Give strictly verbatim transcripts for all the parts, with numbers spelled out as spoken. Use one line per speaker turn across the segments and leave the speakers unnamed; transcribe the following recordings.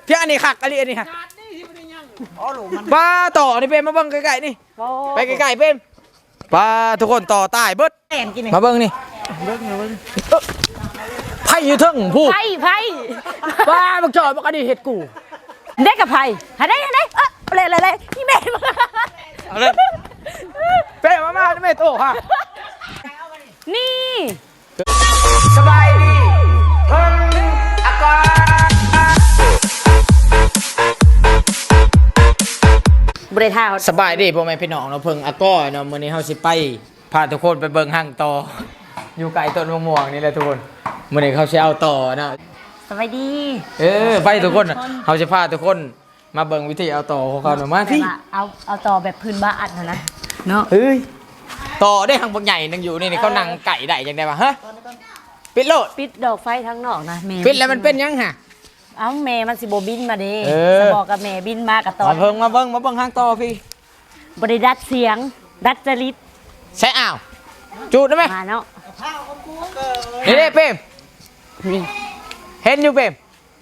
เพียงอันนี้ขักอันนี้อันนี้ฮะป้าต่อนี่เป็นมาเบิ้งไก่ๆนี่ไปไก่ๆเป็นป้าทุกคนต่อตายเบิดมาเบิ้งนี่ไผ่อยู่ทึ่งพูด
ไผ่ไผ่
ป้าบักจอยบักอันนี้เห็ดกู
ได้กับไผ่หาได้หาได้เออเลยเลยเลยพี่แม่มา
เอาเลยเป้มามาไม่โตฮะ
นี่
สบายดีเพิ่งอากาศ
บริท่า
สบายดีพ่อแม่พี่น้องเราเพิ่งอากาศเนาะมื้อนี้เฮาสิไปพาทุกคนไปเบิ่งห้างต่ออยู่ไกลต้นมะม่วงนี่แหละทุกคนมื้อนี้เขาสิเอาต่อนะ
สบายดี
เออไปทุกคนเขาสิพาทุกคนมาเบิ่งวิธีเอาต่อของเขาหน่อยมาที่
เอาเอาต่อแบบพื้นบ้านนะนะเนาะ
เฮ้ยต่อได้หางบางใหญ่นึงอยู่นี่นี่เขานั่งไก่ได้จังได๋วะฮะปิดโลด
ปิดดอกไฟทั้งนอกนะแม่
ปิดแล้วมันเป็นยังฮะ
เอ้าแม่มันสิโบบินมาเด้
เออ
จะบอกกับแม่บินมากับตอน
มาเพิ่งมาเบิ่งมาเบิ่งห้างต่อพี่
บริดัดเสียง ดัดจริต
ใช่อ้าวจูดได้ไหม
มาเนาะ
นี่เด้เปม
นี่
เห็นอยู่เปม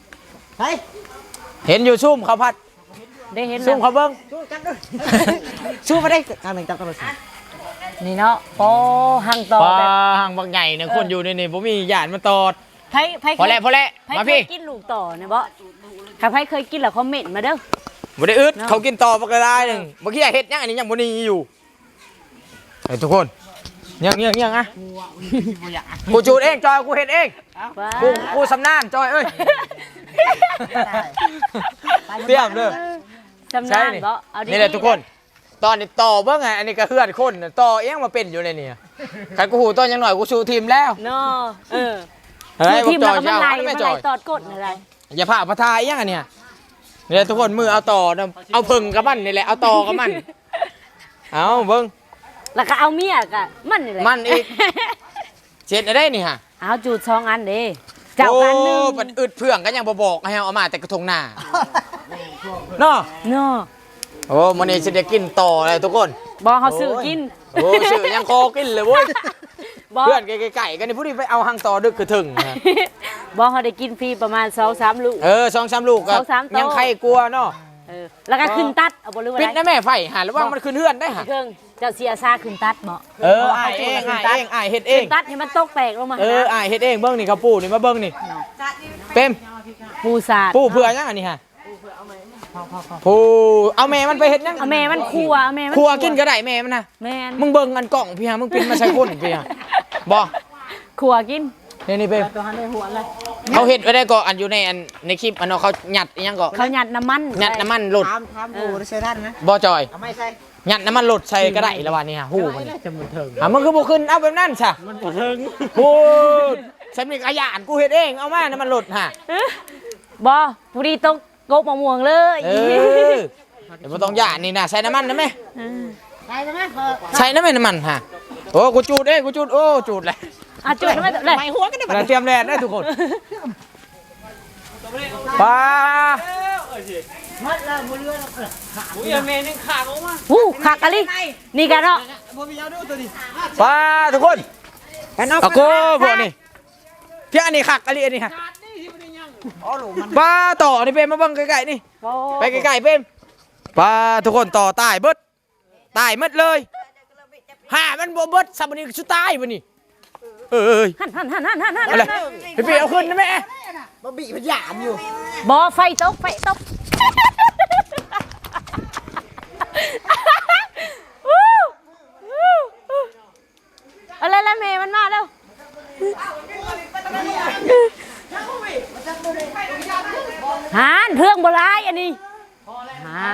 เห็นอยู่ซุ่มเขาพัด
ได้เห็น
ซุ่ม
แล้ว
เขาเบิ่งซุ่มมาได้ทางหนึ่งจับกันเลย
นี่เนาะโอ้หังต่อ
ปลา
แบบ
หางบางใหญ่เนี่ยคนอยู่ในนี่ผมมีหยาดมาตอด
ไพ่ไพ่
พอแล้วพอแล้ว
ไพ่
มา
เค
พี่
ยกินลูกต่อเนี่ยบ่ถ้าไพ่เคยกินแล้วคอมเมนต์มาเด้อ
บ่ได้อึด
เนาะ
เขากินต่อปกระได้หนึ่งเมื่อกี้เห็ดยังอันนี้ยังบ่นีอยู่เฮ้ยทุกคนยังยังยังอ่ะกูจูดเองจอยกูเห็ดเอง
ว้า
กูกูสำนานจอยเอ้ยเตรียมเด้อ
จำนานบ่เอาดีๆ
นี่แหละทุกคน ตอนนี้ต่อเบิ่งไงอันนี้ก็เฮือนคนน่ะต่อเองมาเป็นอยู่ในนี่ใครกูหูตอนยังหน่อยกูชูทีมแล้ว
เนาะเออ
เฮ้ย
ทีม
จ
เรา
อย
ก็มัน
เจ้า
ไหล
ไม่
มัน
จ
ไหล
อย
ตอดกดอะไร
อย่าผ่าพระทายยังอันเนี่ยนี่แหละทุกคนมือเอาต่อนะเอาพึ่งกับมันนี่แหละเอาต่อกับมันเอาเบิ่ง
แล้วก็เอาเมียกะมันนี่แหละ
มันอีก เจ็ดได้นี่ฮะ
เอาจูดสองอันเด้เจ้ากันหนึง
โอ้มันอึดเพื่องก็ยังบ่บอกให้เอามาแต่กระทงหน้าเนาะ
เนาะ
โอ้มันนี่สิได้กินต่อเลยทุกคน
บ่เขาซื้อกิน
โอ้ชื่อยังคอกินเลยเว้ย
บ่
เพื่อนไก่ๆกันนี่ผู้นี้ไปเอาหางต่อดึกคือถึงนะ
บ่เขาได้กินฟรีประมาณสองสามลูก
เออสองสามลูกก็
สองสามโต๊ะ
ยังใครกลัวเนาะ
เออแล้วก็ขึ้นตัดเอาบ่รู้ว่า
ปิด
ได้
นะแม่ไฟหาระวังมันขึ้นเฮือนได้ฮะ
เครื่องเจ้าเสียซาขึ้นตัดบ่
เอออ้ายเองอ้ายเองอ้ายเฮ็ดเอ
ขึ้
ง
นตัดให้มันตกแตกลงมา
เอออ้ายเฮ็ดเองเบิ่งนี่เขาปูนี่มาเบิ่งนี่เต็ม
ปูสาด
ปูเผื่อยังอันนี้ฮะปูเอาแม่มันไปเฮ็ดยัง
เอาแม่มันคั่วเอาแม่มัน
ครัวกินก็ได้แม่มันนะ
แม่น
มึงเบิ่งอันกล่องพี่ฮะมึงปินมาใส่คนพี่ฮะบ่
คั่วกิน
นี่นี่เป้
ตัวหันในหัวเลย
เขาเฮ็ดไว้ได้ก็อันอยู่ในอันในคลิปอันเนาะเขาหยัดอีหยังก็
เขาหยัดน้ำมัน
หยัดน้ำมันหลด
ทำทำดูใช้ด้านนะ
บ่จอย
เอาไม่ใช่
หยัดน้ำมันหลดใส่ก็ได้ละวันนี้ฮะฮู้มัน
จะมือถึง
อ่ะมึงคือบ่ขึ้นเอาแบบนั้นซะ
มันบ่ถึง
พูดฉันมีขยานกูเฮ็ดเองเอามาน้ำมันหลดฮะ
บ่ผู้ดีตกกบมะม่วงเลย
เออเดี๋ยวบ่ต้องหยาดนี่นะใส่น้ำมันนะแม่
เออ
ใช่ไหมพอ
ใส่น้ำมันน้ำมันฮะโอ้กูจูดเองกูจูดโอ้จูดเลย
อ่ะจุดไม่เลย
ไม่หัวกันได้
เราเตรียมแลนได้ทุกคนปลา
มัดแล้วมือเรือขาด
อุ้ยเมนึงขาดออกมา
หูขากะลินี่กันเนาะ
บ่มีเอาดูตัวนี้
ปลาทุกคน
กันเอา
ตะโก้พวกนี้เพียงอันนี้ขักอันนี้อันนี้ฮะ
อ๋อหลูมัน
ปลาต่อนี่เป็นมาเบิ่งไกลๆนี่ไปไกลๆเป็นปลาทุกคนต่อตายเบิดตายหมดเลยห่ามันบ่เบิดซับนี่สุดตายบ่นี่เอ้ย
หันหันหันหันหันหัน
อะไรพี่พี่เอาขึ้นนะแม่
บ่บีมันหยามอยู่
บ่ไฟตกไฟตกอะไรละเมย์มันมาแล้วหานเพื่องโบราณอันนี้หา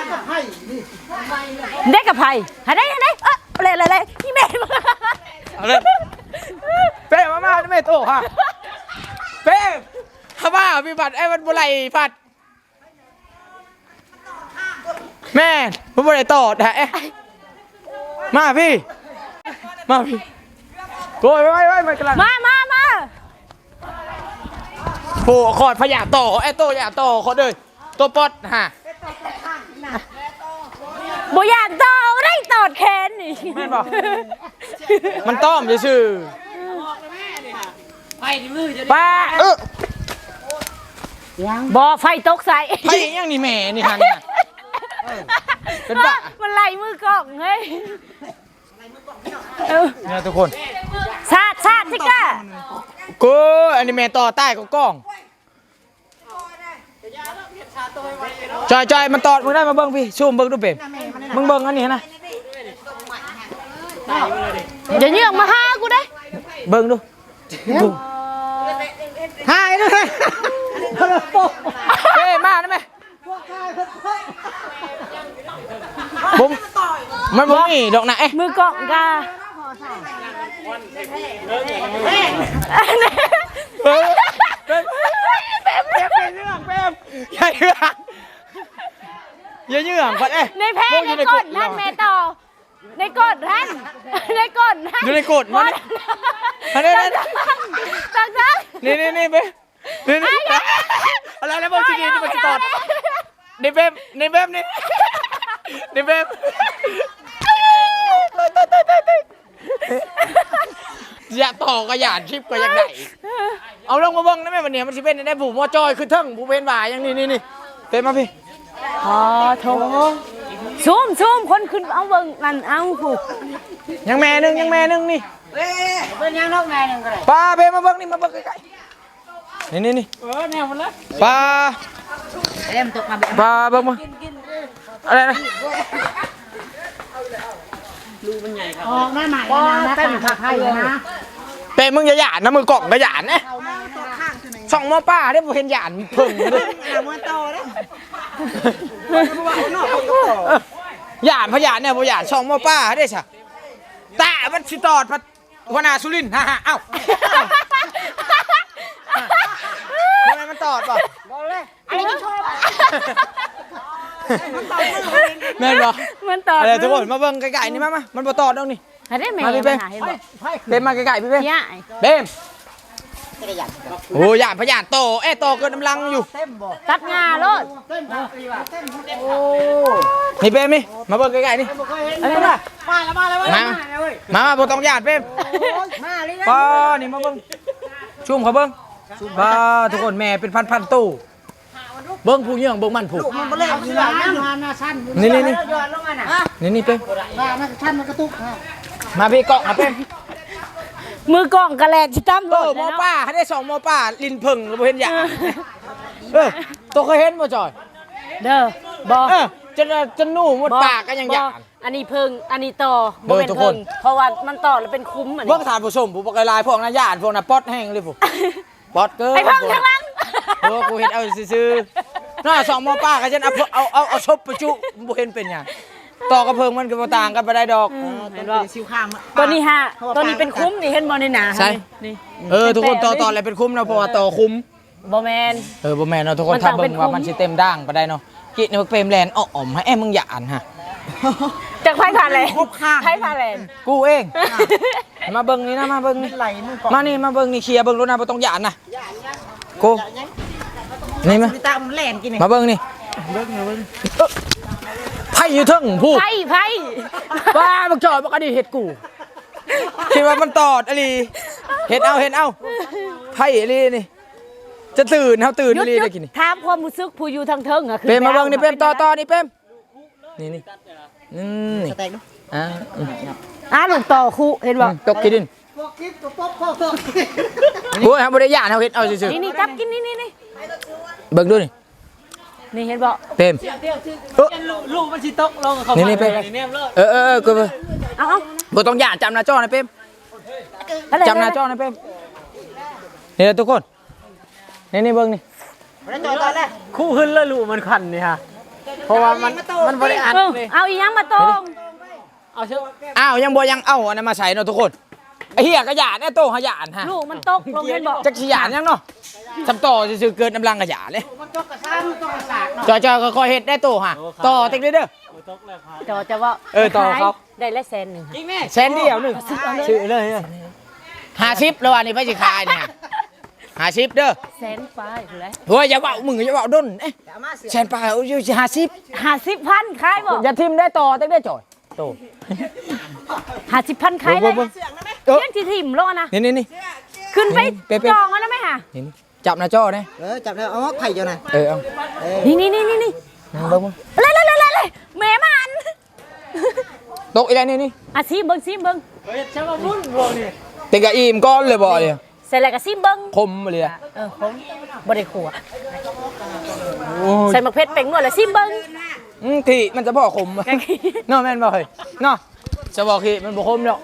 ได้กับไผ่หาได้หาได้เออเลยเลยเลยพี่เมย์มา
เอาเลยเป้มามาแม่โตฮะเป้ข้าบ้าพี่บัตรไอ้มันบุไรผัดแม่ผมบุไรต่อแท้มาพี่มาพี่โกยไว้ไว้มันกำลัง
มามามา
โผล่ขอดพยาต่อไอ้โตยาต่อขอเลยตัวปอดฮะ
บุญาตอได้ตอดแขนนี่
แม่นบอกมันต้อมซื่อป้าเออ
บ่ไฟตกใส่
ไผยังนี่แม่นี่ฮะเนี่ยเป็นบ้า
มันไล่มือกล้องเฮ้ยเออ
เนี่ยทุกคน
สาดสาดสิกะ
กูอันนี้แม่ต่อใต้ก็กล้องจอยจอยมันตอดมึงได้มาเบิ่งพี่ซูมเบิ่งดูเป็นมึงเบิ่งอันนี้นะ
อย่าเยื่องมาหากูได้
เบิ่งดูดู
หายเลย
เอ้ยมาได้ไหมบุ้มมันบุ้มนี่ดอกไหน
มือกล้องกะ
เออเป็นเป็นเรื่องเป็นอย่าเยื่องอย่าเยื่องก่อนเอ้ย
ในแพ้ในก้นท่านแม่ต่อในก้นท่านในก้นท่าน
อยู่ในกดมันอันนี้
ตังตัง
นี่นี่นี่เป๊นี่นี่อะไรแล้วบอกทีนี้ที่มันจะตอดนี่เป๊นี่เป๊นี่นี่เป๊อย่าต่อก็อย่าชิปก็ยังไงเอาลงมาเบิ้งได้ไหมวันนี้มันจะเป็นได้ผูมอจอยคือเทิงผูเป็นบ่ายอย่างนี้นี่นี่เป็นมาพี่
พอโถซูมซูมคนขึ้นเอาเบิ่งนั่นเอาผูก
ยังแม่นึงยังแม่นึงนี่
เป็นยังนกแม่นึงก็ได้
ปลาเป็นมาเบิ้งนี่มาเบิ้งใกล้ๆนี่นี่นี่
เออแนวมันละ
ปลา
เล่มตกมาแบบ
ปลาเบิ้งมาอะไรนะ
ออกมาใหม่นะเต้นผักไทยนะ
เป็มึงอย่าหยาดนะมือกล่องก็หยาดนะส่องมอป้าได้บ่เห็นหยาดเพิ่งเลย
มาโตนะ
หยาดพะหยาดเนี่ยบ่หยาดส่องมอป้าได้ซะตามันสิตอดพัดหัวหน้าสุรินทร์ฮ่าๆเอ้าทำไมมันตอดป่ะ
อะไรที่ชอบ
แม่นบ่
มันต่อ
อะไรทุกคนมาเบิ่งไกลๆนี่มามามันบ่ตอดดอกนี่
ให้ได้แม่
มาพี่เป้
เห็นบ่
เบมมาไกลๆพี่เป้
ย่า
เบมโอ้หยาดพะหยาดโตเอ้โตเกินกำลังอยู่
เต็มบ่
ตัดงาโลด
เต็มบ่เต็มโอ้
นี่เบมนี่มาเบิ่งไกลๆนี่
เคยเห็นมาแล้วมาแล้ว
มามามาบ่ต้องหยาดเบม
มาเลยนะ
ป้านี่มาเบิ้งชุ่มเขาเบิ้งป้าทุกคนแม่เป็นพันพันตู้เบิ้งผู้เยี่ยงเบิ้งมันผูก
มันบ่เล่นอยู่แล้วนะหน้าชั้น
นี่นี่นี่
ย้อนลงมาน่ะ
นี่นี่เป้ม
ว่ามันชั้นมันกระตุก
มาพี่เกาะมาเป้ม
มือกล้องกระแลนสิตั้ม
เออหมอป้าให้ได้สองหมอป้าลินพึ่งแล้วบ่เห็นอย่างเออตัวเคยเห็นบ่จอย
เด้อบ่
เออจนจนหนูหมดปากก็ยังหยาด
อันนี้เพิ่งอันนี้ต่อ
เบิ่ง
เป็น
ทุกค
เพิ่
น
งเพราะว่ามันต่อแล้วเป็นคุ้มอัน
เบิ้
นี้
งทานผู้ชมผู้ปกลายพวกนั้นญาติพวกนั้นป๊อดแห้งเลยพวกป๊อดเกิน
ไอ้เพิ่งข้างหลัง
เออกูเห็นเอาซื่อๆน่าสองหมอป้าก็ฉันเอาเอาเอาเอาชบประจุบ่เห็นเป็นหยังต่อกระเพิงมันก็บ่ต่างกันไปได้ดอก
เห็นบ่
สิวข้าง
ตัวนี้ฮะตัวนี้เป็นคุ้มนี่เห็นบ่ในหนา
ใช่
นี่
เออทุกคนต่อต่ออะไรเป็นคุ้มนะเพราะว่าต่อคุ้ม
บ่แมน
เออบ่แม่นเนาะทุกคน
มันต้
ถ้า
อง
เบิ่
เป็น
ง
คุ้ม
ว่ามันสิเต็มด่างไปได้เนาะกินเนี่ยเปรมแลนด์อ้อมให้แอ้มึงอย่าอ่านฮะ
จากไพ่ผ่านเลยไพ่ผ่านเลย
กูเองมาเบิ่งนี่นะมาเบิ่งนี่
ไหลมือก่อน
มานี่มาเบิ่งนี่เคลียร์เบิ่งรถนะบ่ต้องอย่าอ่านนะกูนี่มา
ตามันแล่นกิน
มาเบิ่งนี่
เบิ่งเบิ่ง
เอ้อไผอยู่เทึงผู้
ไพ่ไพ่
บ้าบักจอยบักอดีเฮ็ดกูคิดว่ามันตอดอะลีเฮ็ดเอาเฮ็ดเอาไผอะลีนี่จะตื่นเฮาตื่น
หยุ
อะ
ด
ลี
หยุ
ได้
ด
กินนี่
ถามความรู้สึกผู้อยู่ทางเทิงอะคือ
เปรมมาเบิ่งนี่เปรมต่อต่อนี่เปรมนี่นี่อืมนี่
แตกดู
อ่าอืม
อ่ะลูกต่อคู่เห็นบ่
ตกขี้ดิน
พวกคลิปตัวป๊บพ่อเพิ่ม
โอ้ยครับบ่ได้ย่านเฮาเฮ็ดเอาซื่อ
นี่นี่จับกินนี่นี่นี่
ๆเบิ่งดูนี่
นี่เห็นบ่
เปรมเอ้อ
ลูกมันสิตกลงเขา
นี่นี่เปรมเออเออเออกูเบิ่ง
เอาเอา
บ่ต้องย่านจำหน้าจอนะเปรม
อะไร
จำหน้าจอนะเปรมนี่ทุกคนนี่นี่เบิ่งนี่
แล้วจอยตอนแรก
คู่ขึ้นแล้วลูกมันขันนี่ฮะเพราะว่ามันมันบริอัด
เออ
เลย
เอาอีหยังมาตรง
เอาเชื่อ
อ้าวยังบ่ยังเอาอันนั้นมาใส่เนาะทุกคนไอ้เหี้ยกระยาเนี่ยโตขยานฮะ
ลูกมันตกลงเห็นบ่
จักสิหยานยังเนาะสำต่อซื่อๆเกินกำลังกระยาเลย
มันตกกระซ้ำตกกระสากเนาะ
จอยๆค่อยๆเฮ็ดได้โตฮะต่อติ๊กเลยเด้อ
ตกแล้วครับ
จอจะว่า
เออต่อเขา
ได้ละแสนหนึ่ง
จริงแม่
แสนเดียวหนึงซื้อเลยห้าสิบแล้วอันนี้ไปสิขายเนี่ยห้าสิบเด้อ
แสนฟ้าอยู่แล้ว
เฮ้ยอย่าเว้ามึงอย่าเว้าด้นเอ๊ะ
อย่ามาเสือ
แสนปลายเอาอยู่ห้าสิบ
ห้าสิบพันขายบ่
อย่าทิมได้ต่อติ๊กได้จอยโต
ห้าสิบพันขายเลย
เออ
เลี้ยงที่ถิ่มโลนะ
นี่นี่นี่
ขึ้นไป
นี่เป๊ะๆ
จองแล้วนะไหมฮะ
นี่จับหน้าจอเนี่ย
เออจับได้เอาไผ่เจ้าน่ะ
เออเอา
นี่นี่นี่นี่นี่
นั่งเบิ่งมึง
เลยเลยเลยเลยเลยแม่มัน
ตกอีแล้วนี่นี่
อ่ะซิมเบิ้งซิมเบิ้ง
เฮ้ยช่างมารุ่นบ่นี่
เต็งกะอิ่มก้อนเลยบ่เลย
เสร็จแล้วก็ซิมเบิ้ง
คมมาเลยอะ
เออผมบ่ได้ขัวใส่มะเขือเป็นนวดแล้วซิมเบิ้ง
อืมที่มันจะบอกคม
แกขี้
เนาะแม่นบ่เฮ้ยเนาะจะบอกที่มันบ่คมดอก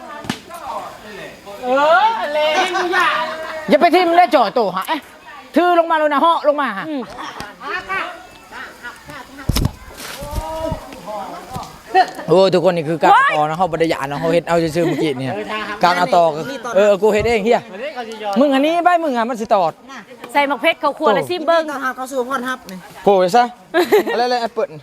เออเลยกูอยาก
อย่าไปทิ่มได้จ่อโตหะเอ๊ะถือลงมาแล้วนะเหาะลงมาฮะ
อืม
โอ้ทุกคนนี่คือการเอาต่อนะเฮาบ่ได้หยานะเฮาเฮ็ดเอาซื่อๆเมื่อกี้เนี่ยการเอาต่อก็เออกูเฮ็ดเองเฮีย
วันนี้เขาจะยอม
มึงอันนี้ไปมึงอ่ะมันสิตอด
ใส่มะเขือเขาขัวแล้วซิมเบิ้ง
ต้องหาเขาสู่พ่อนฮับนี่
โผล่ซะอะไรๆแอปเปิ้ล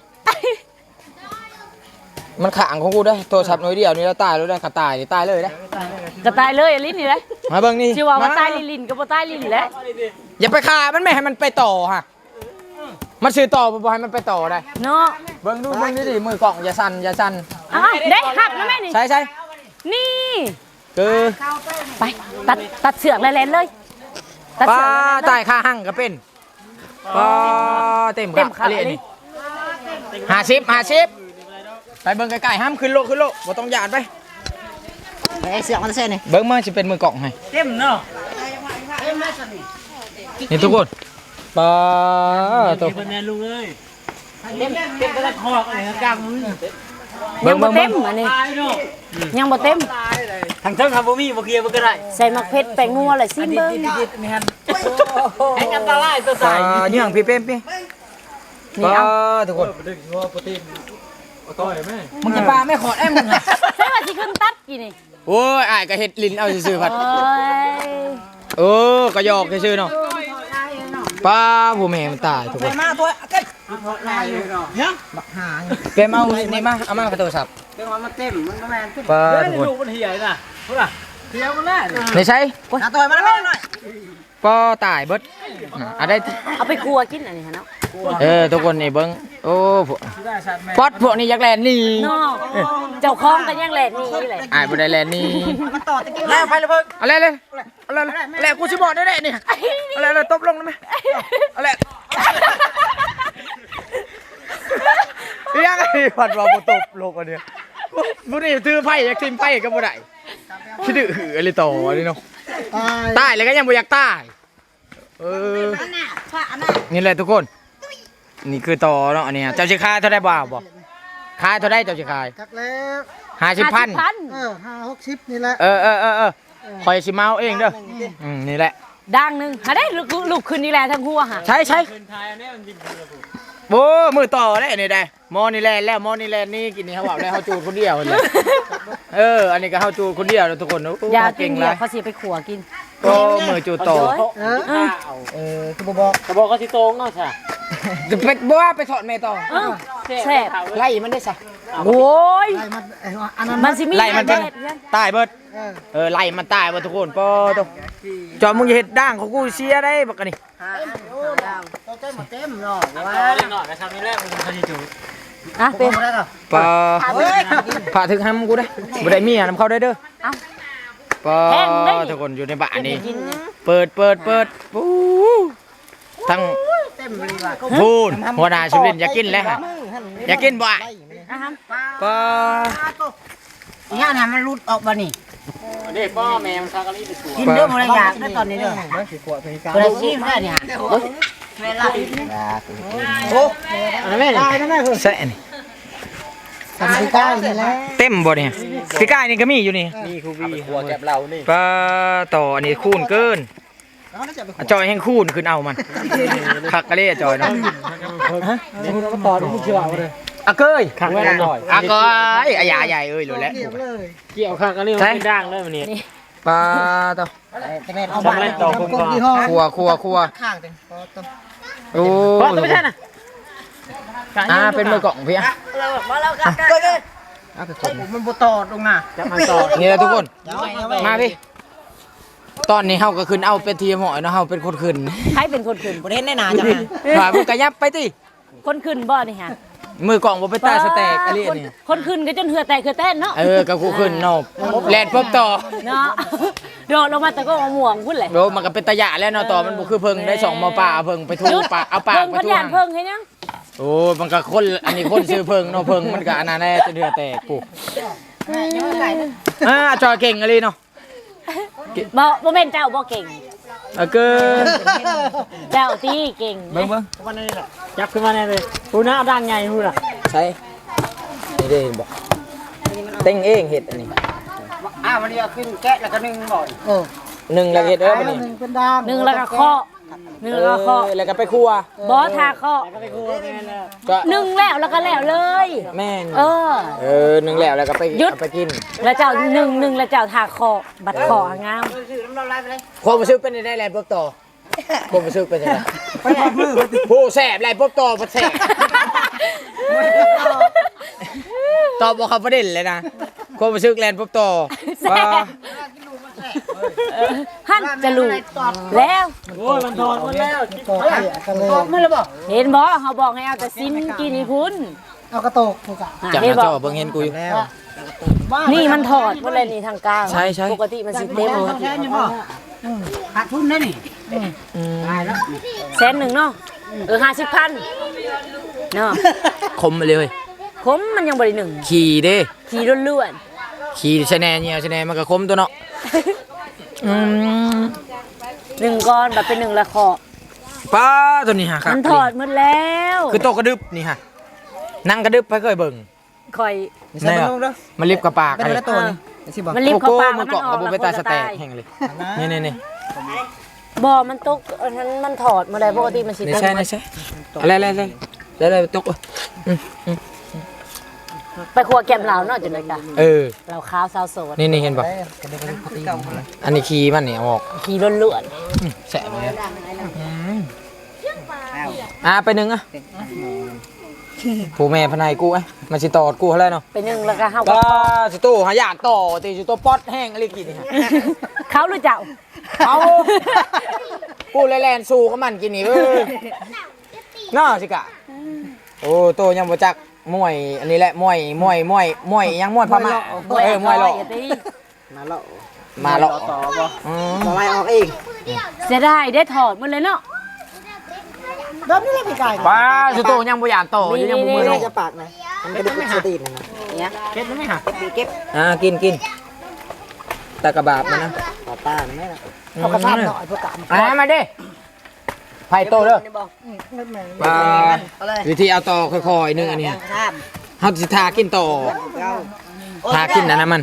มันขางของกูได้โทรศัพท์หน่อยเดียวนี่แล้วตายแล้วได้ขาตายนี่ตายเลยได้
ก็ตายเลยลิ้นนี่แหละ
มาเบิ่งนี่
ชื่อว่าว่า
มา
ตายลิ้นๆก็บ่ตายลิ้นแหละ
อย่าไปฆ่ามันไม่ให้มันไปต่อฮะมันสื่อต่อบ่ให้มันไปต่อได้
เนาะ
เบิ่งดูเบิ่งดิมือกล่องอย่าสั่นอย่าสั่น
อ้าวได้หักนะแม่นี่
ใช่ใช่
นี่
คือ
ไปตัดตัดเสือกแลนๆเลยตัด
ป้า
เสือกแลนๆเลย
ตายค่าหั่งก็เป็นป้าเต็ม
เต็ม
ขา
ขา
อะไร
เลย
นี่ห้าสิบห้าสิบไปเบิ่งไกลๆห้ามขึ้นโลขึ้นโลบ่ต้องหยาดไป
ไอ้เสียงมันเส้นนี่
เบิ่งมันสิเป็นมือกล่องให้
เต็มเนาะ
นี่ทุกคนป้าตัว
เป็นแม่ลุงเอ้ยเต็มเต็มกระคอกอะไรกลางมือ
เบิ่
ยัง ง
เบิ่
บ่
ง
เต็
เบิ่ง
มอันนี้
ตายเนาะ
ยังบ่เต็ม
ทางเทิงทำบ่มีบ่เคลียร์บ่ก็ได้
ใส่มะเขือแป้งนัวเลยซิมเบิ้ง
นี่ฮันแห่งอันตรายตัว
ป้า
ตาย
เนื่องพี่เป้มพี่
นี่
ป้า
เอา
ทุกคน
ดึงงัวโปรตีนต่อยแม่
มึงจะปลาไม่ขอดไอ้มึงอะ
ใส่ว่าสิขึ้นตัดกี่นี่
โอ้ยอ้ายก็เฮ็ดลิ้นเอาซื่อๆพัด
โอ้ย
เออก็หยอกซื่อๆเนาะป้าผู้แม่มันตายทุกคน
มาตัวเก็ลายเนาะยังบักหา
เป้มเอานี่มาเอามากระโทรศัพท์
เรื่องมันเต็มมันก็แม่นเต็ม
ป้า
เฮ้ย
ทุกคน
ลูกมันเหี่ยน่ะพุ่นน่ะเหี่ยมันแน่
ไม่ใช่
หาตัวมาแล้วแม่หน่อย
ป้าตายเบิดอ่ะอะได้
เอาไปครัวกินอันนี้ฮะเนาะ
เออทุกคนนี่เบิ่งโอ้พวกป๊อดพวกนี้อยากแลนหนี่
เนาะเจ้าของก็ยังแหลกนี่แหละ
อ้ายบ่ได้แลนหนี่
มันต่อตะกี้แล้วไปเลยเพิ่ง
เอาเลยเลยเอาเลยเอาเลยกูสิบอกได้ๆนี่เอาเลยเลยตบลงได้ไหมเอาเลยยังไงพัดว่าบ่ตบลงอันเนี้ยบ่ได้ถือไผอยากทิ่มไผก็บ่ได้คิดดื้ออะไรต่อนี่เนาะ
ตาย
ตายแล้วก็ยังบ่อยากตายเออนี่แหละทุกคน นี่คือต่อเนาะอันเนี้ยเจ้าสิขายเท่าได้บ่าวบ่ขายเท่าได้เจ้าสิขาย
ทักแล้ว
ห้าสิบพัน
พัน
เออห้าหกสิบนี่แหละ
เออเออเออเออคอยสิเมาเองเด้ออืมนี่แหละ
ดังหนึงหาได้ลูกลูกขึ้นนี่แหละทั้งหัวหะ
ใช่ใช่โอ้มือต่อได้นี่ได้มอนี่แลนแล้วมอนี่แลนนี่กินนี่เขาบอกแล้วเขาจูดคนเดียวเลยเอออันนี้ก็เขาจูดคนเดียวแล้วทุกคนโอ้
อย่ากิ
เก่
น
ง
เดี
เล
ยวย เขาสิไปขัวกิน
ก็มือจูดต่อ
เออ
เออ
เออคือบ่บอกก็บอกก็สิโตงเนาะใช่
จะไปบ่ว่าไปถอดแม่ต่อ
เออแซ่บ
ไล่มันได้ซะ
โอ้ย
ไล่มันไอ้อันนั้น
มันสิมี
ไล่มันเป็น
แดดเนี่ย
ตายเบิด
เออ
เออไล่มันตายเบิดทุกคนปอตัวจอมมึงอย่าเฮ็ดด่างของกูเสียได้บักกันนี่
โอ้ดาวเต็มเต็มเนาะว่าหน่อยนะครับนี่แรกมันเขาสิจูด
อ่ะเป็น
บ่ได้ก็
ปอ
เฮ้ย
ผ่าถึงห้ำกูได้บ่ได้เมียนำเข้าได้เด้อ
เอ้า
ปอ
แห้งได้นี่
ทุกคนอยู่ในบ้านนี่
กินเนี่ย
เปิดเปิดเปิดปู๊ทั้ง
เต็มเลยว่ะ
พูนหัวหน้าชุลินอยากกินแล้วฮะอยากกินบ่อะ
นะฮะ
ปอ
อีห่าน่ะมันรุดออกบ่นี่
เด็กพ่อแม่มันซากะลีไปสู่
กินเด้อบ่ได้อยากได้ตอนนี้เด้อบ่ได้ชิมได้นี่ฮะเวลาโอ้อันนั้นแม่นี่อันนั้นแม่คือ
แซ่นี่
สามสิบเก้านี่แหละ
เต็มบ่เนี่ยพี่กายนี่ก็มีอยู่นี่
นี่คูบีหัวแก็บเรานี่
ปลาต่ออันนี้คูณเกิน
เขาน่าจะไป
อ่ะจอยแห้งคูณขึ้นเอามันคักกะเล่จอยเนาะ
มาต่อที่เชื่อเอาเลย
อะเกย
ขังไว้หน่อย
อะเกยอะยาใหญ่เอ้ยรู้แล้ว
เกี่ยวเลย
เกี่ยวข้างกันเรื่องเป็นด่างเลยวันนี้
ปลาต่อ
แต่แม่เอาบ้านต่อกงยี่ห้อ
ครัวครัวครัว
ข้างเต็มต่อ
โอ้
พ่อตัวไม่ใช่น่ะ
อ่าเป็นมือกล่องพี่อ่ะ
เราบอกเรากันก็เลยมันบ่ต่อตรงน่ะ
จะมาต่อ
นี่แหละทุกคน
เอาไว้เอาไว้
มาพี่ตอนนี้เฮาก็ขึ้นเอาเป็นทีมหอยเนาะเฮาเป็นคนขึ้น
ใครเป็นคนขึ้น
บ่ได้แน่นาจัง
ผ่ามึงกระยับไปติ
คนขึ้นบ่นี่ฮะ
มือกล่องบ่ไปตาสแต็กอะไร
คน
นี่
คนขึ้นก็จนเหือแตกเหือแต้นเนาะ
เออกับกูขึ้นเนาะแลนปุ๊บต่อ
เนาะโดดลงมาแต่ก็มะม่วงพุ่นเลย
โอ้มันก็เป็นตะยะแล้วเนาะต่อมันบ่คือเพิ่งได้สองหมอป่าเอาเพิ่งไปทูปากเอาปาก
เพิ่ง
ไป
พัน
ทู
ยานเพิ่งเห็นยัง
โอ้มันก็คนอันนี้คนซื้อเพิ่งเนาะเพิ่งมันก็อันนั้นแน่จะเดือดแตกกู
ยังไม่ไก่นะ
อ่าจอยเก่งอะไรเนาะ
บ่บ่แม่นเจ้าบ่เก่ง
เออเกิน
เจ้าตีเก่ง
เบิ่งเบิ่ง
วันนี้แหละยับขึ้นมาแน่เลยพูน่าดังใหญ่พูน่ะ
ใช่นี่ได้เห็นบ่เต้งเองเห็ดอันนี้
อ้าววันนี้เอาขึ้นแกะแล้วก็นึ่งบ่อยเออ
หนึ่งแล้วเห็ดเด้อบัดนี้
เป็นด้าม
หนึ่งแล้วก็เคาะหนึ่งแล้วก็เคาะ
เออแล้วก็ไปครัว
บ่ทาเคาะ
ก็ไปกูแม่แล้ว
ก็
หนึ่งแล้วแล้วก็แล้วเลย
แม่น
เออ
เออหนึ่งแล้วแล้วก็ไป
หยุด
เอาไปกิน
แล้วเจ้าหนึ่งหนึ่งแล้วเจ้าทาเคาะบัดเคาะงาม
ซื้อน้ำร้อนไหลไปเลย
ความรู้สึกเป็นได้แลนด์ปุ๊บต่อความรู้สึกเป็นยังไงไปพอดมือผู้แสบแลนด์ปุ๊บต่อบ่แสบตอบบ่เข้าประเด็นเลยนะความรู้สึกแลนด์ปุ๊บต่อว่า
หั่นจะรู้แล้ว
โอ้ยมันถอดหมดแล้ว
ตอกไม่เลยบ่
เห็นบ่เขาบอกให้เอาแต่ซิมกินนี่พุ่น
เอากระโตกถูกอ่ะ
จาก
เห็น
นั้น
บ่
เจ้าเบิ่งเห็นกูอยู่
นี่มันถอดหมดเลยนี่ทางกลาง
ใช่ใช่
ปกติมันสิเต็มหมด
แค่นี้บ่ขาดทุนได้นี่ตายแล้ว
แสนหนึ่งเนาะเออห้าสิบพันเนาะ
คมไปเลย
คมมันยังบริหนึ่ง
ขี่เด้
ขี่ล้วน
ขี่ชะแนนเนี่ยชะแนนมันก็คมตัวเนาะอืม
ๆหนึ่งก้อนแบบเป็นหนึ่งละคอ
ป้าตัวนี้ฮะครับ
มันถอดหมดแล้ว
คือโตะกระดึบนี่ฮะนั่งกระดึบไปเคยเบิ่ง
คอย
แน่มันลิบกับปากอะไร
มันรีบเข้าปาก
มั
แล้ว
น
มัน
เกาะ
ออก
กับบุ
แล้ว
ไปตาสแตก
คนจะ
แห่งเลยนี่นี่นี่
บ่มันตกอันนั้นมันถอดหมาเลยปกติมันสิ
นี่ใช่นี่ใช่อะไรอะไรอะไรอะไรตกอืมอืม
ไปครัวแกมเหลาเนาะจุดเลยจ้ะ
เออ
เหลาขาวสาวโสด
นี่นี่เห็นป่ะอันนี้ขี่มันเนี่ยออก
ขี่ล้วน
อืมแสบเลยอืมอ่ะไปหนึ่งอ่ะผู้แม่พนายกูไอ้มันสิตอดกูเท่าไรเนาะ
ๆไปหนึ่งแล้วก็เฮาก็
ก็สิตู้หาอยากต่อตีสิตัวป๊อดแห้งอะไรกินนี่ฮะ
เขาหรือเจ้า
เอากูเลยแลนสู้กับมันกินนี่เว้ยน่าสิกะโอ้โตยังบ่จักมวยอันนี้แหละมวยมวยมวยมวยยังมวยพม่าเออมวยหรอก
อย่าตี
มาแล้ว
มาหรอก
ต่อบ่
อืม
มาไล่ออกเอง
เสียดายได้ถอดหมดเลยเนาะ
เดิมนี่เลยพี่ไก่
ป้าสิโตยังบ่อยากต่ออยู่ยังบ่มือ
ไม่
เนาะ
จะปากนะมันกระดูกสตีนนะเนี่ย
เก็บได้ไหมฮะ
เก็บ
อ่ากินกินตะกะบาบมันนะ
ต่อป้าไม่ละเอากระทำหน่อยเพื่อกำ
อ่ามาดิไผ่โตเด้อป้าวิธีเอาต่อค่อยๆนึงอันเนี้ย
ท
เฮาสิทากินต่อ
ำเรา
ทากินอันนั้นมัน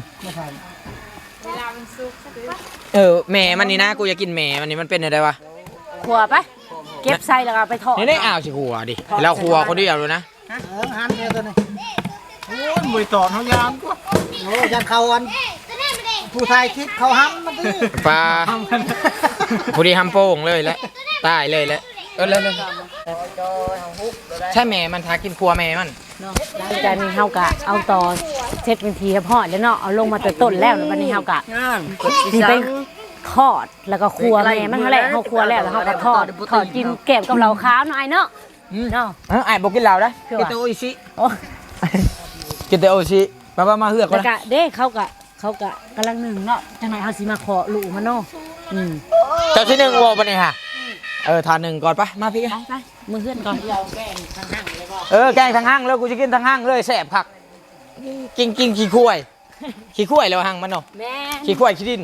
เออแหม่มันนี่นะกูอยากกินแหม่มันนี่มันเป็นอะไรวะ
ครัวไปเก็บใส่แล้วก็ไปถอด
นี่ได้อ้าวสิหัวดิเราหัวคนเดียวเลยนะ
เออหันเดียวตัวนี้
โอ้ยมือต่อเฮายามก็
โอ้ยันเขาอันผู้ชายคิดเขาห้ำมันดิ
ปลาพอดีทำโป่งเลยแล้วตายเลยแล้วเออเลยเลยใช่แม่มันทากินครัวแม่มัน
เนาะหลังจากนี้เฮากะเอาต่อเช็ดเป็นทีให้พอดแล้วเนาะเอาลงมาแต่ต้นแล้วแล้ววันนี้เฮากะสิไปทอดแล้วก็ครัวแม่มันเท่าแหละเฮาครัวแล้วแล้วเฮาก็ทอดทอดกินแกมกับเหล้าขาวเนาะไอ้เนาะเนาะ
เออไอ้บอกกินเหล้าได้
คือ
กิน
ว่า
แต่โออิชิ
โอ้
กินแต่โออิชิมามามาเฮือก
แล้ว
ก่อน
ก็
นะ
เด้เขากะเขากะกำลังหนึ่งเนาะจังไหนเฮาสิมาขอลูกมันเนาะอืม
เจ้าที่หนึ่งวอลปะเนี่ยฮะเออทานหนึ่งก่อนปะมาพี่
ไปไปมือเฮือนก่อน
เออแกงทางห้างแล้วกูจะกินทางห้างเลยแสบคักกินกินขี้คุ้ยขี้คุ้ยแล้วห้างมันเนาะ
แม่
ขี้คุ้ยขี้ดิน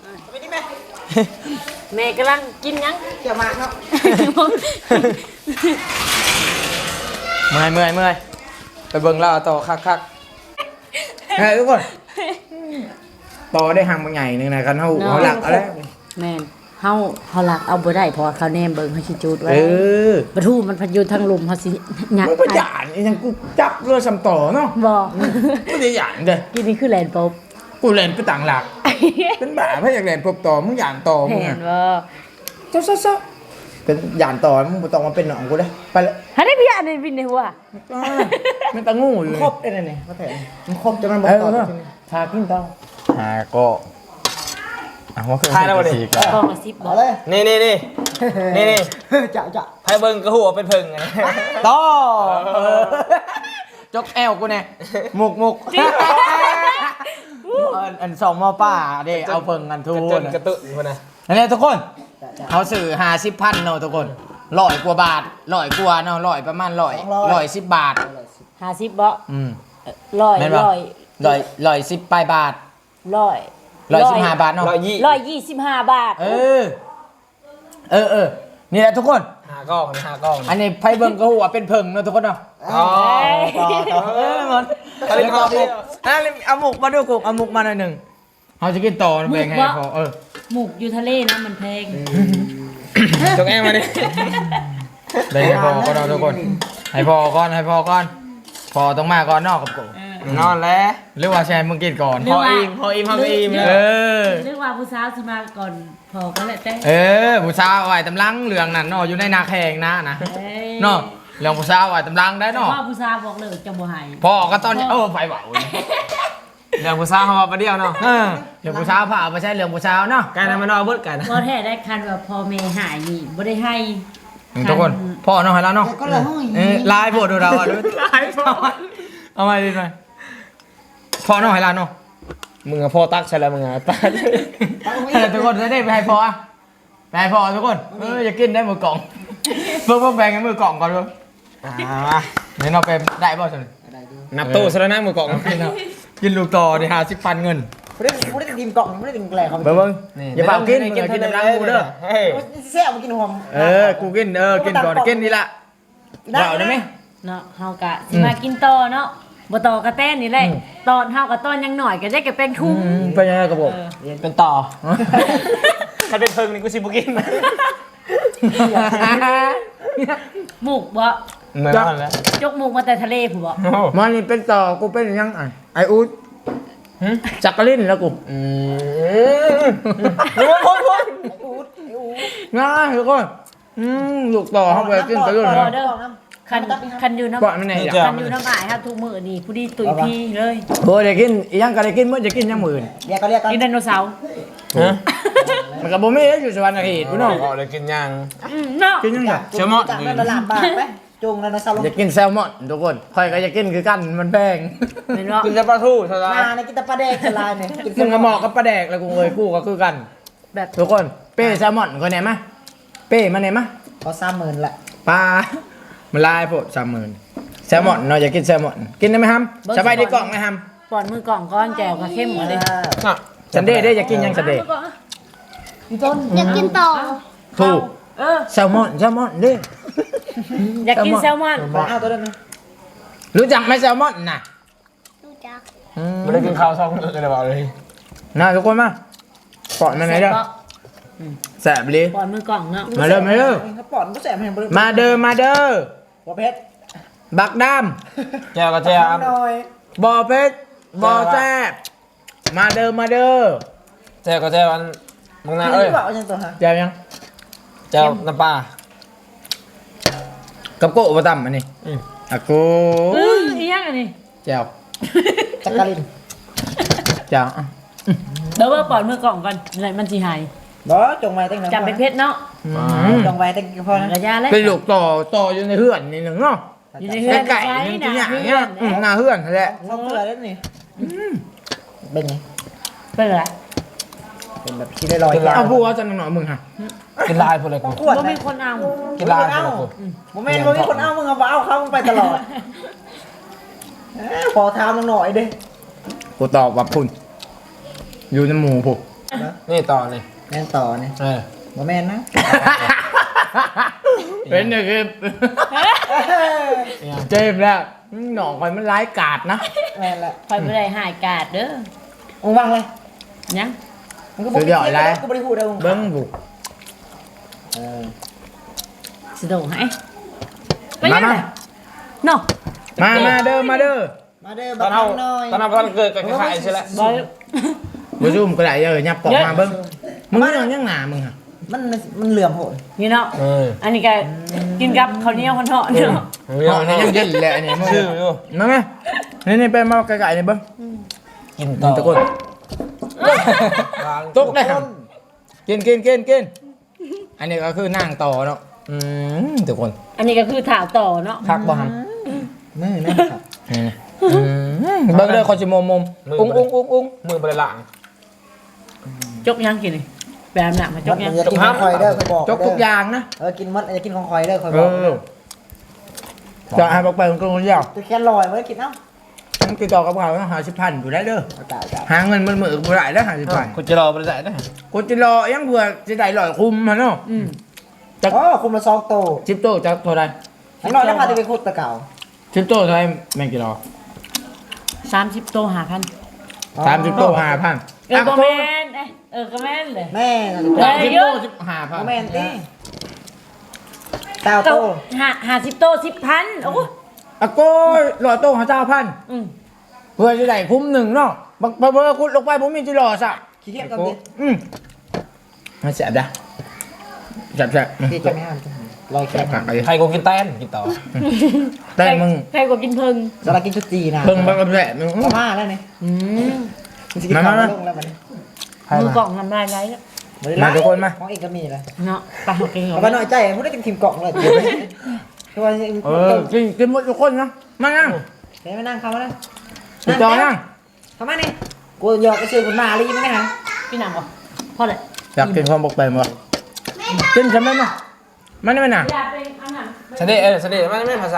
แม่กำลังกินหยัง
เกี่ยวมาครับ
เมื่อยเมื่อยเมื่อยไปเบิ่งเล่าต่อคักคักเฮ้ยทุกคนต่อได้ห่างบางใหญ่หนึ่งนะคันเขาเขาหลักเอาแล้ว
แม่นเฮาเฮาลักเอาบ่ได้เพราะว่าเขาแนมเบิ่งเฮาสิจูดไว้
เออ
ปะทูมันพันอยูทางลมเฮาสิหยัก
มันเป็นหยาดนี่ยังกูจับเรือสำต่อเนาะ
บ่
ไม่ได้หยาดเด้อ
กินนี่คือแลนด์ป๊อบ
กูเล่นไปต่างหลัก เป็นบ้าเพราะอยากเล่นพบต่อมึงหยาดต่อมึง
เห็
อะ
นบ่
เจ้าเจ้าเจ้าเป็นหยาดต่อมึงบ่ต้องมาเป็นหนองกูเลยไปเลย
หาได้พี่อ่านในวินในหัว
อ่ามันตะงูอยู่
ครบได้เลยเนี่ยมาแต่มันครบจะมันบอ
เอก
ต่อ
อทากินต่อ
หาก็อ่ะว่าคือ
ทายแล้วบ่ดิ
สีกะ
กองละสิบบ่
เอาเลย
นี่นี่นี่นี่นี่
จะจะ
ไพ่เบิ่งกระหัวเป็นเพิงไงต่อจกแอวกูแน่มุกมุกอันอันสองหม้อป้าเด้เอาเพิ่งกันทูน
กระตุกคนนะ
นั่นแหละทุกคนเขาสื่อห้าสิบพันเนาะทุกคนร้อยกว่าบาทร้อยกว่าเนาะร้อยประมาณร้อยร้อยสิบบาท
ห้าสิบบ่
อืม
ร้อย
แม่นบ่
ร้อย
ร้อยร้อยสิบปลายบาท
ร้อย
ร้อยสิบห้าบาทเนาะ
ร้อยยี่
ร้อยยี่สิบห้าบาท
เออ เออเออนี่แหละทุกคน
หากล้องหากล้อง
อันนี้ไพเบิ้งก็หัวเป็นเพิงเนาะทุกคนเนาะ
อ๋อ
เออมันเอาหมกเอาหมกมาดูกูเอาหมกมาหน่อยหนึ่งเขาจะกินต่อนะเป็นไงพอเออ
หมูกอยู่ทะเลนะมันแพง
จงแอมมาดิ
เป็นไงพอก็เนาะทุกคนให้พอก่อนให้พอก่อนพอต้องมาก่อนนอกกับกู
นอนแล้ว
หรือว่าแชร์มึงกินก่อน
พออิ่มพออิ่มพออิ่ม
เออ
เรียกว่าผู้สาวสิมาก่อนพอก็แหละแต่
เออผู้สาวไอ้ตำลังเหลืองนั่นเนาะอยู่ในนาแข่งนะนะ
เอ้ย
เนาะเรื่องผู้สาวไอ้ตำลังได้เนาะ
พ่อผู้สาวบอกเลยจะบ่ให้
พ่อก็ตอนนี้เออไฟเบา
เรื่องผู้สาวเขามาประเดี๋ยวเนาะ
เออเรื่องผู้สาวผ่าไม่ใช่เรื่องผู้สาวเนาะ
การทำมันนอนเบิดกัน
บ่แท้ได้คันว่าพ่อแม่หายนี่บ่ได้ให้
ทุกคนพ่อเนาะให้แล้วเนาะ
ก็เลยห้อย
เออลายโพดดูเราอ่ะดูลายโพดเอาไว้ดิหน่อยพ่อเนาะให้แล้วเนาะ
มึงอะพ่อตักใช่แล้วมึงอะตัก
ทุกคนจะได้ไปให้พ่ออะไปให้พ่อทุกคนเอออย่ากินได้มือกล่องเพิ่งเพิ่งแบ่งกันมือกล่องก่อนเพิ่ง
อ่า
เดี๋ยวเราไปได้ป่ะสิ
นับตู้ซะแล้วนะมือกล่อง
กินเอากินลูกต่อดิหาสิบพันเงิน
ไม่ได้ไม่ได้กินกล่องไม่ได้กินแกล้เขา
เบิ่งเบิ่งอย่าเปล่ากินมึงอย่ากินน้ำล้างกูเด้อ
เฮ้ย
แซ่บมากินหอม
เออกูกินเออกินก่อนกินนี่ละเปล่าได้ไหม
เนาะเฮากะสิมากินต่อเนาะบ่ต่อกระแต้นนี่แหละตอนเฮากับตอนยังหน่อยก็ได้ก็เป็นคุ้ม
เป็นยังไงกับผม
เป็นต่อใครเป็นเพิงนี่กูสิบุกิน
หมูกบ่
เหมือนกันแล้ว
ยกหมูกมาแต่ทะเลผู้บ่
มันนี่เป็นต่อกูเป็นยังไงไออูดจักรลินแล้วกู
อืมรู้ว่าพ้นพ้น
ง่ายทุกคนอืมลูกต่อเข้าไปกินไปด้วย
บ่
นะ
เด้อคันคันอยู่น้ำ
ก่อนมันไหน
คันอยู่น้ำอายครับทุกมื้อนี่ผู้ดีตุยพี่เลย
โอ้ยจะกินอีหยังก็ได้กินเมื่อจะกินยังหมื่น
เรียกก็เรียกกัน
กินไดโนเสาร์
ฮะ
มันกับโบมี่อยู่สวรรค์เขตพี่น้อง
ออกเลยกินยัง
อืมเนาะ
กินยังไง
เชลมอนจากนั้นละลานบาทไหมจุงแล้วนะซาลง
อยากกินแซลมอนทุกคนใครก็อยากกินคือกันมันแพง
เห็นบ่
กินแต่ปลาทูเท่าไหร่
มาในกินตะปลาแดกสลายเนี่ยกิน
มึงก็เหมาะกับปลาแดกแล้วกูเอ้ยกูก็คือกัน
แบบ
ทุกคนเป้แซลมอนคนไหนมะเป้มาไหนมะ
พอสามหมื่นละ
ปลามันลายโพดสามหมื่นแซลมอนเนาะอยากกินแซลมอนกินได้ไหมฮัมสบายดีกล่องไหมฮัม
ป้อนมือกล่องก้อนแจ่วก็เข้มหมดเลย
อ่ะ
สันเดย์ได้อยากกินยังสันเดย์
อยากกินต่อ
ถูก
เออ
แซลมอนแซลมอนดิ
อยากกินแซลมอน
บอกเอาตัวนั้นนะ
รู้จักไหมแซลมอนน่ะ
ดูจัก
อืม
ไม่ได้กินข้าวซองเลยเลยบอกเลย
น่าทุกคนมาปอดมาไหนเด้อแสบเลย
ป้อนมือกล่องเนาะ
มาเด้อมาเด้อ
ถ้าปอดก็แสบให้บริ
มาเด้อมาเด้อ
หัวเพชร
บักด
แก้วก็แก้ว
หน่อย
ำบ่อเพชรบ่อแซบมาเด้อมาเด้อ
แก้วก็แก้วอันมึงนะเอ้ย
นี่บอกยังตัวฮะ
แจ้ยัง
แก้วน้ำปลา
กับโกะประตำอันนี้
อืม
อะโก
อื้ออีหยังอันนี้
แจ้ว
จักริน
แจ้วอ่ะ
เดี๋ยวว่าป้อนมือกล่องก่อนอะไรมันสิหาย
บ่จงไว้ตั้งนาน
จำเป็นเพชรเนาะ
อืม
จงไว้ตั้งพอนะ
กระยาเลย
เป็นลูกต่อต่ออยู่ในเฮือนนี่หนึ่งเนาะ
อยู่ในเฮือน
ไก่ๆนี่ตัวอย่างเงี้ยอืมหน้าเฮือนนั่นแหละ
เข้าเกลือแล้วนี่เป็นไง
เป็นไร
เป็นแบบที่ได้ลอย
เอาพูดว่าจะหน่อยมึงฮะ
กินลายพอเลยกู
ขวด
บ่
นะ
มีคนเอา
กินลายพอ
เอ้า
เลยกู
โมเมนต์โมเมนต์คนเอ้ามึงเอาเอาเขามึงไปตลอดขอทามหน่อยดิ
กูตอบว่าพุ่นอยู่ในหมู่ผม
นี่ต่อนี่
แม่นต่อเนี่ย
เออ
โมเมนต์นะ
เป็นเนี่ยคือเจมส์แล้วหนองคอยมันร้ายกาดนะ
แม่นละ
คอยบ่ได้หายกาดเด้อ
มึงวางเลย
ยัง
มึงก็บอกกูไม่ได้พูดเลยมึง
เบิ้งบุก
เออ
สิโดให้ไป
มา
ยัง
มา
ไงเนาะ
มามาเด้อมาเด้อ
มาเด้อ
ต
บั
อก นเอา
หน่อย
ตอนเอาตอนเกิดกับขายใช่แล้ว
บ่
บุซุ่มก็ได้เออยับปอกมาเบิ้งมึงนี่ยังยังหนามึงฮะ
มันมันเหลื่อมโหด
นี่เนาะ
เออ
อันนี้ก็กินกับข้าวเหนียวคนเถาะเนาะ
อ๋อนี่ยังเย็นเลยอันนี้มึง
ชื่ออยู่
มาไหมนี่นี่ไปมาไก่ๆนี่เบิ้ง
กินต่อ
ตะโกนตกได้ครับกินกินกินกินอันนี้ก็คือนั่งต่อเนาะอืมทุกคน
อันนี้ก็คือถาวต่อเนาะ
พักบ่ฮัม
นี่นะครับ
นี่อืมเบิ่งเด้อคนสิมมมอุ้งอุ้งอุ้งอุ้งมือบ่ได้ล้าง
จกยังกินนี่แบบน่ะมาจ
มั
ก
น
ยัง
จะกินของคอยเด้อเขาบอก
จกทุกอย่างนะ
เออกินมดจะกินของคอยเด้อคอย
เอ
บอก
อจะให้บอกไปมันก็ยาว
ตัวแค่ลอยมันกินเอ้า
ต้องติดต่อกับเขาหาสิบพันอยู่ได้เด้อ
ตายตาย
หาเงินมันมือบ่ได้แล้วหาสิบพัน
คุณจะรอไปได้นะ
กูจะรอยังเผื่อจะได้ลอยคุมมันเนาะ
อืม
อ๋อคุมละซองโต
สิบโตจะเท่าไร
ข้างนอกแล้วพาจะไปขุดตะเก่า
สิบโตเท่าไรแม่งกี่รอ
สามสิบโตหาพัน
สามสิบโตห้าพัน
เออก็แม่นเอ้ยเออก็แม่นเลย
แม่
สามสิบโตสิบห้าพัน
แม่นตีเต้า
โต
โต
หาหาสิบโตสิบพันโอ้
อะโก้รอโตหาเจ้าพัน
อืม
เพื่อจะได้คุ้มหนึ่งเนาะบักเบอร์คุณลงไปผมมีจิรอสะ
ขี้เกียจกันดิ
อืมมันแสบจ้ะแสบแสบ
ที่จะไม่ห้ามลอยแค่
ผักไป
ใครกูกินแตนกินต่อ
แต่มึง
ใครก็กินเพิ่ง
สลักกินชุดจีนะ
เบิ่งบักแสบมึง
มาม่าแล้วนี่
อืม
มันจะกินข้าวลงแล้วมัน
มือกล่องทำลายไรแล้ว
มาทุกคนมา
ของเอกก็มีเลย
เนาะไปหากินก่อ
เอา
น
ไปหน่อยใจมึงได้กินทีมกล่องเลยเดี๋ยวไปตัว
เออกินกินหมดทุกคนนะมานั่ง
เดี๋ยวมานั่งเข้ามานั่ง
ติดต่อนั่ง
เข้ามานี่กูหยอกกระชือคุณมาลีมั้ยฮะ
พี่หนังบ่พ่อเลย
อยากกินความบกไปมั้ยกินใช่ไหมมั้ยมันไม่น่ะ
อยากเป็นอันนั้น
สเดเออสเดไม่ไม่ภาษา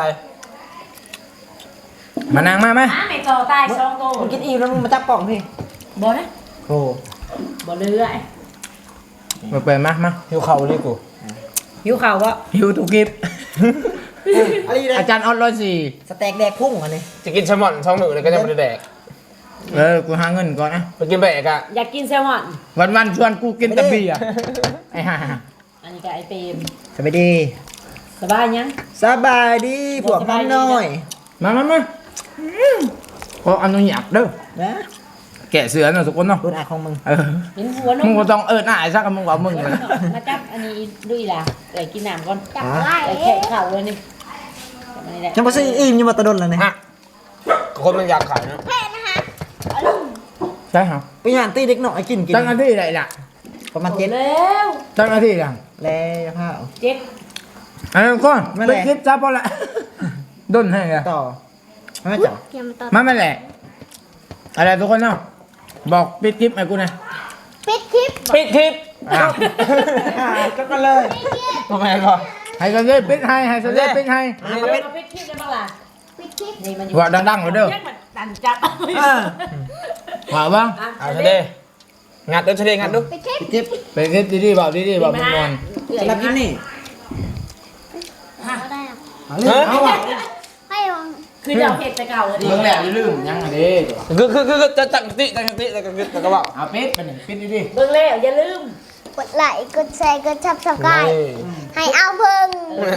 มานั่งมาไหม
หาไม่ต่อตายสองโต
มึงกินอิ่มแล้วมึงมาจับกล่องพี่
บ่นะ
โอ้
บ่เลื่อย
บกไปมามา
หิวเข่าเลยกู
หิวข่าววะ
หิวทุกคลิป
อะไรเลย
อาจารย์ออดร้อยสี่
สเต็กแดกพุ่งอันนี้
จะกินแซลมอนช่องหนึ่งเลยก็จะไม่ได้แดก
เออกูหาเงินก่อนนะ
ไปกินแบกอะ
อยากกินแซลมอน
วันวันๆชวนกูกินแต่เบียร์ไอ้ห่า
อันนี้ก็ไอเต็ม
สบายดี
สบายยัง
สบายดีพวกมันน้อย
มามามาขออนุญาตเด้อ
นะ
แกะเสือหน่อยทุกคนเนาะ
คุณอาของมึง
เออ
เห็นหัวน
มึง
ม
ก็ต้องเอิดหน้าไอ้ซักกับมึงว่ามึงเลย
มาจับอันนี้ด้วยล่ะเอ้ยกินน้ำก่อน
จับไล่
ไอ้แค่ข่าวเลยนี่จับอันนี้แหละ
จังบ่ซื้ออิ่มอยู่มาตะดนแล้วนี่
ฮะคนมันอยากขายนะ
แม่นะคะเอาลุง
ใช่ครับ
ไปย่านตีเด็กหน่อยกินกิน
ตั้งหน้าที่ไหนล่ะ
ประมาณเจ็ด
เร็ว
ตั้งหน้าที่ยัง
แล้วข้าว
เจ็ด
อันนั้นก่อน
ไม่
ไป
แหละ
คลิปซับพอละด้นให้อะ
ต่อไม่จับ
เตรียมต่อ
มาไม่แหละอะไรทุกคนเนาะบอกปิดคลิปให้กูหนะ
ปิดคลิป
ปิดทิป
อ้าว
ก็กันเลย
ทำไมก่อน
ให้เขาเล่นปิดให้ให้เขาเล่นปิดให้
เอาไปปิดคลิปได้บ้างล่ะ
ปิดคลิป
นี่มันอยู่
ว่าดังๆเลยเด้อ
แยกมันดันจับ
ว่าบ้าง
เอาสเดงัดดูสเดงัดดู
ปิดคลิป
จิ๊บ
เป็นคลิปดีๆบอกดีๆบอกมึงนอน
สำหรับกินนี่
เอาได้อะ
เอาเรื่องเอาอ่ะ
ให้ลอง
คือจะเอาเห็ดแต่เก่าเลย
มึงแหละอย่าลืมยังไงดิ
คือคือคือจะจังติจังติจังติจังกระบอก
เอาปิดไปหนึ่งปิดดี
เบิ่งแล้วอย่าลืม
กดไลค์กดแชร์กดชับสกายให้เอาเพิ่ง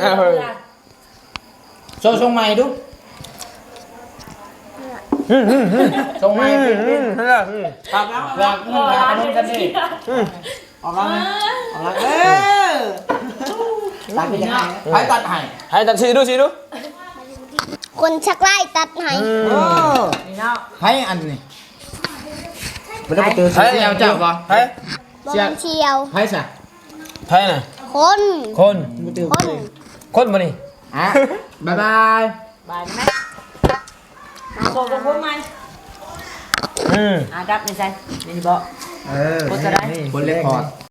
ๆโชว์ทรงใหม่ดูทรงใหม่ปิดปิด
ครับ
อยากมึงอยากขนมกันดิ
ออกแล้วนะออกแล้วเออตัดไปยังไง
ใครตัดให้
ให้ตัดชีดูชีดู
คนชักไล่ตัดให้
โอ้
นี่เนาะ
ใครอันนี้
ไม่ได้ไปเจอ
ใครเอาเจ้าบ่
เฮ้ย
บอลเชียว
ใครสะ
เฮ้ยน่ะ
คน
คน
ไม่เจอ
คน
คนมานี่
อ่ะบ๊ายบาย
บายไหมมาโคกับพวกมัน
อืม
อ่ะดับในใจนี่บอก
เออ
โคตรได้
บนเลคคอร์ด